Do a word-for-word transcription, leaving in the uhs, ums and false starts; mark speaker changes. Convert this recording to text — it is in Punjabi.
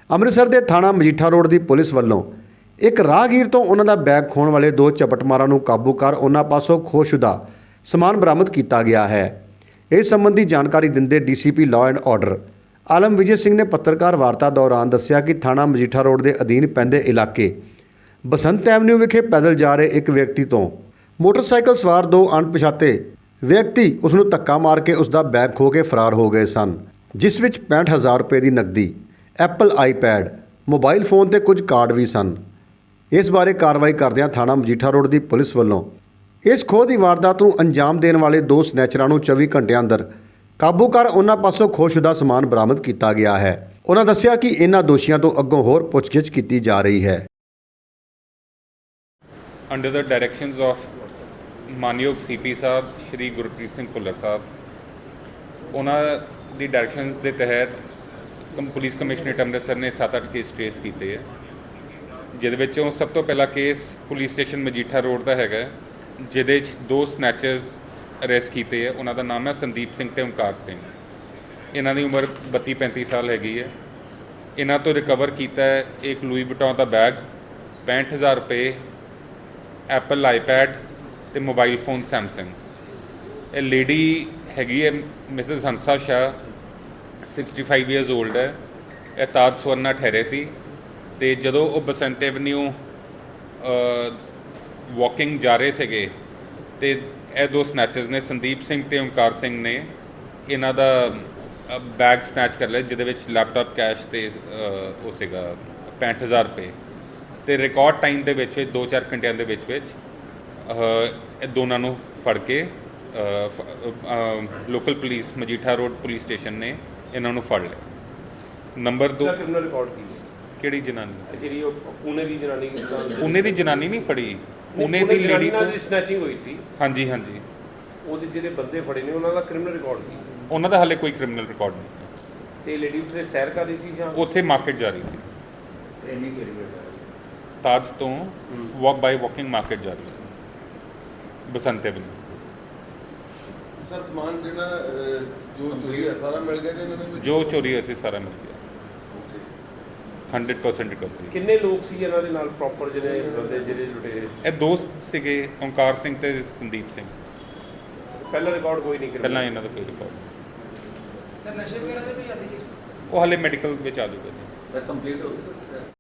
Speaker 1: ਅੰਮ੍ਰਿਤਸਰ ਦੇ ਥਾਣਾ ਮਜੀਠਾ ਰੋਡ ਦੀ ਪੁਲਿਸ ਵੱਲੋਂ ਇੱਕ ਰਾਹਗੀਰ ਤੋਂ ਉਹਨਾਂ ਦਾ ਬੈਗ ਖੋਹਣ ਵਾਲੇ ਦੋ ਝਪਟਮਾਰਾਂ ਨੂੰ ਕਾਬੂ ਕਰ ਉਹਨਾਂ ਪਾਸੋਂ ਖੋਹਸ਼ੁਦਾ ਸਮਾਨ ਬਰਾਮਦ ਕੀਤਾ ਗਿਆ ਹੈ। ਇਸ ਸੰਬੰਧੀ ਜਾਣਕਾਰੀ ਦਿੰਦੇ DCP law and order Alam Vijay Singh ਨੇ ਪੱਤਰਕਾਰ ਵਾਰਤਾ ਦੌਰਾਨ ਦੱਸਿਆ ਕਿ ਥਾਣਾ ਮਜੀਠਾ ਰੋਡ ਦੇ ਅਧੀਨ ਪੈਂਦੇ ਇਲਾਕੇ ਬਸੰਤ ਐਵਨਿਊ ਵਿਖੇ ਪੈਦਲ ਜਾ ਰਹੇ ਇੱਕ ਵਿਅਕਤੀ ਤੋਂ ਮੋਟਰਸਾਈਕਲ ਸਵਾਰ ਦੋ ਅਣਪਛਾਤੇ ਵਿਅਕਤੀ ਉਸ ਨੂੰ ਧੱਕਾ ਮਾਰ ਕੇ ਉਸ ਦਾ ਬੈਗ ਖੋਹ ਕੇ ਫਰਾਰ ਹੋ ਗਏ ਸਨ, ਜਿਸ ਵਿੱਚ ਪੈਂਹਠ ਹਜ਼ਾਰ ਰੁਪਏ ਦੀ ਨਕਦੀ, ਐਪਲ ਆਈਪੈਡ, ਮੋਬਾਈਲ ਫੋਨ ਤੇ ਕੁਝ ਕਾਰਡ ਵੀ ਸਨ। ਇਸ ਬਾਰੇ ਕਾਰਵਾਈ ਕਰਦਿਆਂ ਥਾਣਾ ਮਜੀਠਾ ਰੋਡ ਦੀ ਪੁਲਿਸ ਵੱਲੋਂ ਇਸ ਖੋਹ ਦੀ ਵਾਰਦਾਤ ਨੂੰ ਅੰਜਾਮ ਦੇਣ ਵਾਲੇ ਦੋ ਸਨੈਚਰਾਂ ਨੂੰ ਚੌਵੀ ਘੰਟਿਆਂ ਅੰਦਰ ਕਾਬੂ ਕਰ ਉਹਨਾਂ ਪਾਸੋਂ ਖੋਹਸ਼ੁਦਾ ਸਮਾਨ ਬਰਾਮਦ ਕੀਤਾ ਗਿਆ ਹੈ। ਉਹਨਾਂ ਦੱਸਿਆ ਕਿ ਇਹਨਾਂ ਦੋਸ਼ੀਆਂ ਤੋਂ ਅੱਗੋਂ ਹੋਰ ਪੁੱਛਗਿੱਛ ਕੀਤੀ ਜਾ ਰਹੀ ਹੈ।
Speaker 2: Under the directions of ਮਾਨਯੋਗ ਸੀ ਪੀ ਸਾਹਿਬ ਸ਼੍ਰੀ ਗੁਰਪ੍ਰੀਤ ਸਿੰਘ ਭੁੱਲਰ ਸਾਹਿਬ, ਉਹਨਾਂ ਦੀ ਡਾਇਰੈਕਸ਼ਨ ਦੇ ਤਹਿਤ ਕਮ ਪੁਲਿਸ ਕਮਿਸ਼ਨਰੇਟ ਅੰਮ੍ਰਿਤਸਰ ਨੇ ਸੱਤ ਅੱਠ ਕੇਸ ਟ੍ਰੇਸ ਕੀਤੇ ਹੈ, ਜਿਹਦੇ ਵਿੱਚੋਂ ਸਭ ਤੋਂ ਪਹਿਲਾ case police station Majitha road ਦਾ ਹੈਗਾ, ਜਿਹਦੇ 'ਚ ਦੋ ਸਨੈਚਰਸ ਅਰੈਸਟ ਕੀਤੇ ਹੈ। ਉਹਨਾਂ ਦਾ ਨਾਮ ਹੈ ਸੰਦੀਪ ਸਿੰਘ ਤੇ ਓਮਕਾਰ ਸਿੰਘ। ਇਹਨਾਂ ਦੀ ਉਮਰ ਬੱਤੀ ਪੈਂਤੀ ਸਾਲ ਹੈਗੀ ਹੈ। ਇਹਨਾਂ ਤੋਂ ਰਿਕਵਰ ਕੀਤਾ ਹੈ ਇੱਕ ਲੂਈ ਵੁਇਟਨ ਦਾ ਬੈਗ, ਪੈਂਹਠ ਹਜ਼ਾਰ ਰੁਪਏ, ਐਪਲ ਆਈਪੈਡ ਤੇ ਮੋਬਾਈਲ ਫੋਨ ਸੈਮਸੰਗ। ਇਹ ਲੇਡੀ ਹੈਗੀ ਹੈ Mrs Hansa Shah, sixty five years old ਹੈ। ਇਹ ਤਾਜ ਸਵਰਨਾ ਠਹਿਰੇ ਸੀ ਅਤੇ ਜਦੋਂ ਉਹ ਬਸੰਤ ਐਵਨਿਊ ਵਾਕਿੰਗ ਜਾ ਰਹੇ ਸੀਗੇ ਅਤੇ ਇਹ ਦੋ ਸਨੈਚਰਸ ਨੇ, ਸੰਦੀਪ ਸਿੰਘ ਅਤੇ ਓਮਕਾਰ ਸਿੰਘ ਨੇ ਇਹਨਾਂ ਦਾ ਬੈਗ ਸਨੈਚ ਕਰ ਲਿਆ, ਜਿਹਦੇ ਵਿੱਚ ਲੈਪਟਾਪ, ਕੈਸ਼ ਅਤੇ ਉਹ ਸੀਗਾ ਪੈਂਹਠ ਹਜ਼ਾਰ ਰੁਪਏ। ਅਤੇ ਰਿਕਾਰਡ ਟਾਈਮ ਦੇ ਵਿੱਚ ਦੋ ਚਾਰ ਘੰਟਿਆਂ ਦੇ ਵਿੱਚ ਵਿੱਚ ਇਹ ਦੋਨਾਂ ਨੂੰ ਫੜ ਕੇ local police Majitha road police station ਨੇ ਇਹਨਾਂ ਨੂੰ ਫੜ ਲਿਆ। ਨੰਬਰ ਦੋ
Speaker 3: ਕ੍ਰਿਮੀਨਲ ਰਿਕਾਰਡ ਕੀ
Speaker 2: ਕਿਹੜੀ ਜਨਾਨੀ?
Speaker 3: ਜਿਹੜੀ ਉਹ ਪੂਨੇ ਦੀ ਜਨਾਨੀ
Speaker 2: ਪੂਨੇ ਦੀ ਜਨਾਨੀ ਨਹੀਂ ਫੜੀ, ਪੂਨੇ ਦੀ ਲੇਡੀ
Speaker 3: ਨਾਲ ਦੀ ਸਨੈਚਿੰਗ ਹੋਈ ਸੀ।
Speaker 2: ਹਾਂਜੀ ਹਾਂਜੀ,
Speaker 3: ਉਹਦੇ ਜਿਹੜੇ ਬੰਦੇ ਫੜੇ ਨੇ ਉਹਨਾਂ ਦਾ ਕ੍ਰਿਮੀਨਲ ਰਿਕਾਰਡ ਕੀ?
Speaker 2: ਉਹਨਾਂ ਦਾ ਹਾਲੇ ਕੋਈ ਕ੍ਰਿਮੀਨਲ ਰਿਕਾਰਡ ਨਹੀਂ।
Speaker 3: ਤੇ ਲੇਡੀ ਉੱਥੇ ਸੈਰ ਕਰ ਰਹੀ ਸੀ ਜਾਂ
Speaker 2: ਉੱਥੇ ਮਾਰਕੀਟ ਜਾ ਰਹੀ ਸੀ,
Speaker 3: ਟ੍ਰੇਨਿੰਗ ਕਿਹੜੀ ਹੈ?
Speaker 2: ਤਾਜ ਤੋਂ ਵਾਕ ਬਾਈ ਵਾਕਿੰਗ ਮਾਰਕੀਟ ਜਾ ਰਹੀ ਸੀ ਬਸੰਤ ਐਵਨਿਊ।
Speaker 4: ਸਰ ਸਮਾਨ ਜਿਹੜਾ ਜੋ ਚੋਰੀ ਹੋਇਆ ਸਾਰਾ ਮਿਲ ਗਿਆ ਕਿ ਇਹਨਾਂ ਨੇ ਕੋਈ
Speaker 2: ਜੋ ਚੋਰੀ ਹੋਈ ਸੀ ਸਾਰਾ ਮਿਲ ਗਿਆ,
Speaker 4: ਓਕੇ
Speaker 2: ਹੰਡਰਡ ਪਰਸੈਂਟ ਰਿਕਵਰੀ।
Speaker 3: ਕਿੰਨੇ ਲੋਕ ਸੀ ਇਹਨਾਂ ਦੇ ਨਾਲ ਪ੍ਰੋਪਰ ਜਿਹੜੇ ਬੰਦੇ ਜਿਹੜੇ ਲੁਟੇਰੇ?
Speaker 2: ਇਹ ਦੋਸਤ ਸੀਗੇ ਓਮਕਾਰ ਸਿੰਘ ਤੇ ਸੰਦੀਪ ਸਿੰਘ।
Speaker 3: ਪਹਿਲਾ ਰਿਕਾਰਡ ਕੋਈ ਨਹੀਂ
Speaker 2: ਪਹਿਲਾਂ ਇਹਨਾਂ ਦਾ ਕੋਈ ਰਿਕਾਰਡ ਨਹੀਂ।
Speaker 5: ਸਰ ਨਸ਼ੇ ਵਗੈਰਾ ਦੇ ਵੀ ਆਦੀ ਹੈ?
Speaker 2: ਉਹ ਹਾਲੇ ਮੈਡੀਕਲ ਵਿੱਚ ਆ ਜੂਗਾ ਜੀ।
Speaker 5: ਸਰ ਕੰਪਲੀਟ ਹੋ ਗਿਆ।